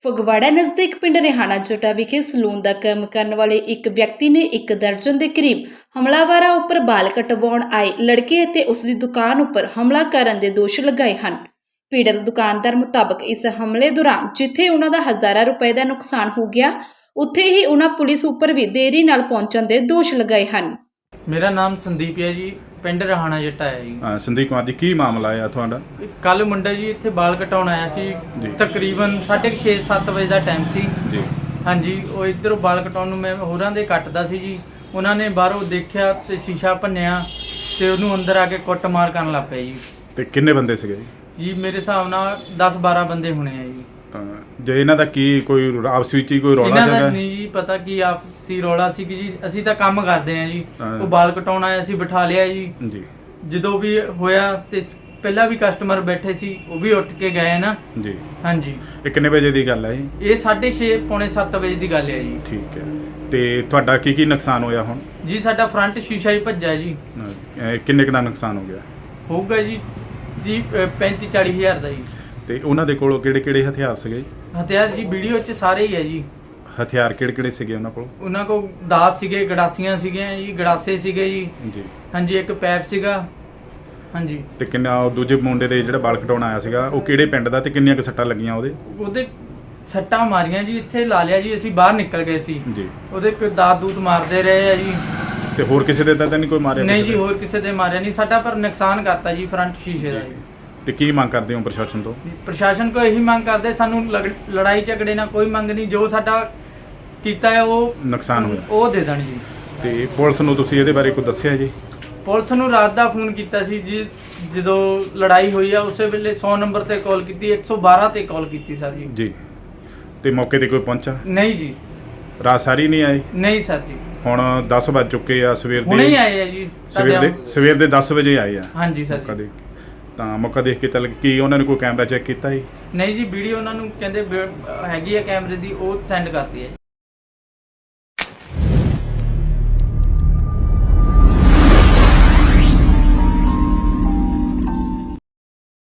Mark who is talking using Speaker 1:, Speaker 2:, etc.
Speaker 1: ਫਗਵਾੜਾ ਨਜ਼ਦੀਕ ਪਿੰਡ ਰਿਹਾਣਾ ਜੋਟਾ ਵਿਖੇ ਸਲੂਨ ਦਾ ਕੰਮ ਕਰਨ ਵਾਲੇ ਇੱਕ ਵਿਅਕਤੀ ਨੇ ਇੱਕ ਦਰਜਨ ਦੇ ਕਰੀਬ ਹਮਲਾਵਰਾਂ ਉੱਪਰ ਬਾਲ ਕਟਵਾਉਣ ਆਏ ਲੜਕੇ ਅਤੇ ਉਸ ਦੀ ਦੁਕਾਨ ਉੱਪਰ ਹਮਲਾ ਕਰਨ ਦੇ ਦੋਸ਼ ਲਗਾਏ ਹਨ। ਪੀੜਤ ਦੁਕਾਨਦਾਰ ਮੁਤਾਬਕ ਇਸ ਹਮਲੇ ਦੌਰਾਨ ਜਿੱਥੇ ਉਹਨਾਂ ਦਾ ਹਜ਼ਾਰਾਂ ਰੁਪਏ ਦਾ ਨੁਕਸਾਨ ਹੋ ਗਿਆ, ਉੱਥੇ ਹੀ ਉਹਨਾਂ ਪੁਲਿਸ ਉੱਪਰ ਵੀ ਦੇਰੀ ਨਾਲ ਪਹੁੰਚਣ ਦੇ ਦੋਸ਼ ਲਗਾਏ ਹਨ।
Speaker 2: मेरा नाम संदीप है जी, पिंड रहाना जट्टा है जी।
Speaker 3: संदीप कुमार जी, की मामला है ਤੁਹਾਡਾ?
Speaker 2: ਕੱਲ ਮੁੰਡਾ ਜੀ ਇੱਥੇ ਬਾਲ ਕਟਾਉਣ ਆਇਆ ਸੀ, ਤਕਰੀਬਨ 6:30-7 ਵਜੇ ਦਾ ਟਾਈਮ ਸੀ
Speaker 3: ਜੀ।
Speaker 2: ਹਾਂਜੀ, ਉਹ ਇੱਧਰੋਂ ਬਾਲ ਕਟਾਉਣ ਨੂੰ ਮੈਂ ਹੋਰਾਂ ਦੇ ਕੱਟਦਾ ਸੀ ਜੀ। ਉਹਨਾਂ ਨੇ ਬਾਹਰੋਂ ਦੇਖਿਆ ਤੇ ਸ਼ੀਸ਼ਾ ਭੰਨਿਆ ਤੇ ਉਹਨੂੰ ਅੰਦਰ ਆ ਕੇ ਕੁੱਟਮਾਰ ਕਰਨ ਲੱਗ ਪਏ ਜੀ।
Speaker 3: ਤੇ ਕਿੰਨੇ ਬੰਦੇ ਸੀਗੇ
Speaker 2: ਜੀ ਮੇਰੇ ਹਿਸਾਬ ਨਾਲ 10-12 ਬੰਦੇ ਹੋਣੇ ਆ ਜੀ।
Speaker 3: ਜੇ ਇਹਨਾਂ ਦਾ ਕੀ ਕੋਈ ਆਪਸ ਵਿੱਚ ਹੀ ਕੋਈ ਰੌਲਾ
Speaker 2: ਇਹਨਾਂ ਦਾ
Speaker 3: ਚੱਲਦਾ?
Speaker 2: ਨਹੀਂ ਜੀ ਪਤਾ ਕੀ ਆਪਸੀ ਰੌਲਾ ਸੀ ਕਿ ਜੀ ਅਸੀਂ ਤਾਂ ਕੰਮ ਕਰਦੇ ਆ ਜੀ। ਉਹ ਬਾਲ ਕਟਾਉਣ ਆਇਆ ਸੀ, ਬਿਠਾ ਲਿਆ ਜੀ। ਜਦੋਂ ਵੀ ਹੋਇਆ ਤੇ ਪਹਿਲਾਂ ਵੀ ਕਸਟਮਰ ਬੈਠੇ ਸੀ, ਉਹ ਵੀ ਉੱਠ ਕੇ ਗਏ ਨਾ
Speaker 3: ਜੀ।
Speaker 2: ਹਾਂਜੀ,
Speaker 3: ਇਹ ਕਿੰਨੇ ਵਜੇ ਦੀ ਗੱਲ ਹੈ ਜੀ?
Speaker 2: ਇਹ 6:30 ਪੌਣੇ 7 ਵਜੇ ਦੀ ਗੱਲ ਹੈ ਜੀ।
Speaker 3: ਠੀਕ ਹੈ। ਤੇ ਤੁਹਾਡਾ ਕੀ ਨੁਕਸਾਨ ਹੋਇਆ ਹੁਣ?
Speaker 2: ਜੀ ਸਾਡਾ ਫਰੰਟ ਸ਼ੀਸ਼ਾ ਹੀ ਭੱਜਾ ਜੀ।
Speaker 3: ਕਿੰਨੇ ਕੁ ਦਾ ਨੁਕਸਾਨ ਹੋ ਗਿਆ
Speaker 2: ਹੋਊਗਾ ਜੀ 35-40 ਹਜ਼ਾਰ ਦਾ ਜੀ।
Speaker 3: ਤੇ ਉਹਨਾਂ ਦੇ ਕੋਲ ਕਿਹੜੇ ਹਥਿਆਰ ਸੀਗੇ?
Speaker 2: ਹਥਿਆਰ ਜੀ ਵੀਡੀਓ 'ਚ ਸਾਰੇ ਹੀ ਹੈ ਜੀ।
Speaker 3: ਹਥਿਆਰ ਕਿਹੜੇ ਸੀਗੇ ਉਹਨਾਂ ਕੋਲ?
Speaker 2: ਉਹਨਾਂ ਕੋਲ ਦਾਤ ਸੀਗੇ, ਗੜਾਸੀਆਂ ਸੀਗੀਆਂ ਜੀ, ਗੜਾਸੇ ਸੀਗੇ ਜੀ।
Speaker 3: ਜੀ
Speaker 2: ਹਾਂਜੀ, ਇੱਕ ਪੈਪ ਸੀਗਾ। ਹਾਂਜੀ।
Speaker 3: ਤੇ ਕਿੰਨਾ ਉਹ ਦੂਜੇ ਮੁੰਡੇ ਦੇ ਜਿਹੜਾ ਬਾਲ ਕਟਾਉਣ ਆਇਆ ਸੀਗਾ, ਉਹ ਕਿਹੜੇ ਪਿੰਡ ਦਾ ਤੇ ਕਿੰਨੀਆਂ ਕੁ ਸੱਟਾਂ ਲੱਗੀਆਂ ਉਹਦੇ
Speaker 2: ਸੱਟਾਂ ਮਾਰੀਆਂ ਜੀ, ਇੱਥੇ ਲਾ ਲਿਆ ਜੀ। ਅਸੀਂ ਬਾਹਰ ਨਿਕਲ ਗਏ ਸੀ
Speaker 3: ਜੀ।
Speaker 2: ਉਹਦੇ ਕੋਈ ਦਾਤ ਦੂਤ ਮਾਰਦੇ ਰਹੇ ਆ ਜੀ।
Speaker 3: ਤੇ ਹੋਰ ਕਿਸੇ ਦੇ ਤਾਂ ਨਹੀਂ ਕੋਈ ਮਾਰਿਆ?
Speaker 2: ਨਹੀਂ ਜੀ, ਹੋਰ ਕਿਸੇ ਦੇ ਮਾਰਿਆ ਨਹੀਂ। ਸਾਡਾ ਪਰ ਨੁਕਸਾਨ ਕਰਤਾ ਜੀ ਫਰੰਟ ਸ਼ੀਸ਼ੇ ਦਾ ਜੀ।
Speaker 3: ਤੇ ਕੀ ਮੰਗ ਕਰਦੇ ਹੋ ਪ੍ਰਸ਼ਾਸਨ ਤੋਂ?
Speaker 2: ਪ੍ਰਸ਼ਾਸਨ ਕੋਲ ਇਹੀ ਮੰਗ ਕਰਦੇ, ਸਾਨੂੰ ਲੜਾਈ ਝਗੜੇ ਨਾਲ ਕੋਈ ਮੰਗ ਨਹੀਂ। ਜੋ ਸਾਡਾ ਕੀਤਾ ਹੈ ਉਹ
Speaker 3: ਨੁਕਸਾਨ ਹੋਇਆ
Speaker 2: ਉਹ ਦੇ ਦੇਣ ਜੀ।
Speaker 3: ਤੇ ਪੁਲਿਸ ਨੂੰ ਤੁਸੀਂ ਇਹਦੇ ਬਾਰੇ ਕੋਈ ਦੱਸਿਆ ਜੀ?
Speaker 2: ਪੁਲਿਸ ਨੂੰ ਰਾਤ ਦਾ ਫੋਨ ਕੀਤਾ ਸੀ ਜੀ, ਜਦੋਂ ਲੜਾਈ ਹੋਈ ਆ ਉਸੇ ਵੇਲੇ 100 ਨੰਬਰ ਤੇ ਕਾਲ ਕੀਤੀ, 112 ਤੇ ਕਾਲ ਕੀਤੀ ਸਰ ਜੀ।
Speaker 3: ਜੀ। ਤੇ ਮੌਕੇ ਤੇ ਕੋਈ ਪਹੁੰਚਾ?
Speaker 2: ਨਹੀਂ ਜੀ।
Speaker 3: ਰਾਤ ਸਾਰੀ ਨਹੀਂ ਆਏ?
Speaker 2: ਨਹੀਂ ਸਰ ਜੀ।
Speaker 3: ਹੁਣ 10 ਵੱਜ ਚੁੱਕੇ ਆ, ਸਵੇਰ
Speaker 2: ਹੁਣੇ ਹੀ ਆਏ ਆ ਜੀ।
Speaker 3: ਸਵੇਰ ਦੇ 10 ਵਜੇ ਆਏ ਆ।
Speaker 2: ਹਾਂਜੀ ਸਰ ਜੀ।
Speaker 3: ਤਾਂ ਮੌਕਾ ਦੇਖ ਕੇ ਚੱਲ ਕੀ ਉਹਨਾਂ ਨੇ ਕੋਈ ਕੈਮਰਾ ਚੈੱਕ ਕੀਤਾ ਜੀ?
Speaker 2: ਨਹੀਂ ਜੀ, ਵੀਡੀਓ ਉਹਨਾਂ ਨੂੰ ਕਹਿੰਦੇ ਹੈਗੀ ਆ ਕੈਮਰੇ ਦੀ, ਉਹ ਸੈਂਡ ਕਰਤੀ ਹੈ।